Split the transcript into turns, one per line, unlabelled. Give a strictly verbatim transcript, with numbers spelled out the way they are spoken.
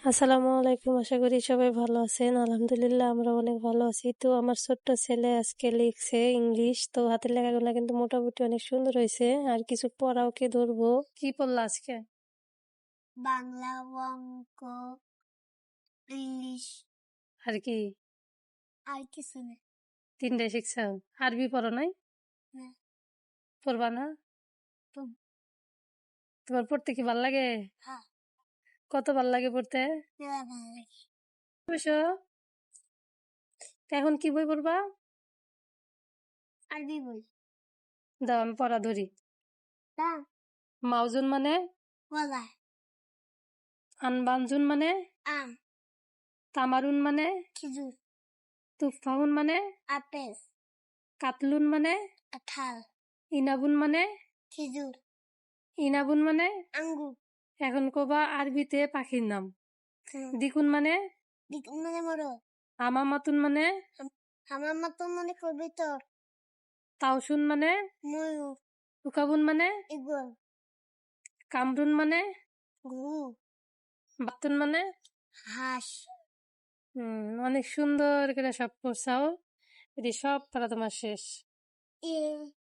আসসালামু আলাইকুম, আশা করি সবাই ভালো আছেন। আলহামদুলিল্লাহ আমরা অনেক ভালো আছি। তো আমার ছোট্ট ছেলে আজকে লিখছে ইংলিশ, তো হাতের লেখাগুলো কিন্তু মোটামুটি অনেক সুন্দর হয়েছে। আর কিছু পড়াও কি ধরবো। কি পড়লা আজকে?
বাংলা, অঙ্ক, ইংলিশ
আর কি?
আর কিছু না।
তিনটে শিখছ? আরবি পড়ো নাই?
না।
পড়বা না?
পড়ব।
তোমার পড়তে কি ভাল লাগে?
হ্যাঁ,
কত ভাল লাগে পড়তে?
মেলা ভালো লাগে।
বসো। তো এখন কি বই পড়বা?
আরবি বই।
দাও আমি পড়া ধরি।
তা
মাউজুন মানে?
কলা,
আনবানজুন মানে?
আম,
তামারুন মানে?
খেজুর,
তুফাহুন মানে?
আপেল,
কাতলুন মানে?
কাঁঠাল,
ইনাবুন মানে?
খেজুর,
ইনাবুন মানে?
আঙ্গুর।
এখন কবা আরবিতে পাখির নাম।
হুম,
দিকুন মানে?
দিক- মানে মোরগ।
হামামাতুন মানে?
হাম- আমার মতো মনে করবি তো
তাওসুন মানে?
ময়ূর,
উকাবুন মানে?
ইগল,
কামরুন মানে?
গরু,
বাতুন মানে?
হাঁস।
হম অনেক সুন্দর করে সব পড়ছাও। এটি সব পড়া তোমার শেষ।
এ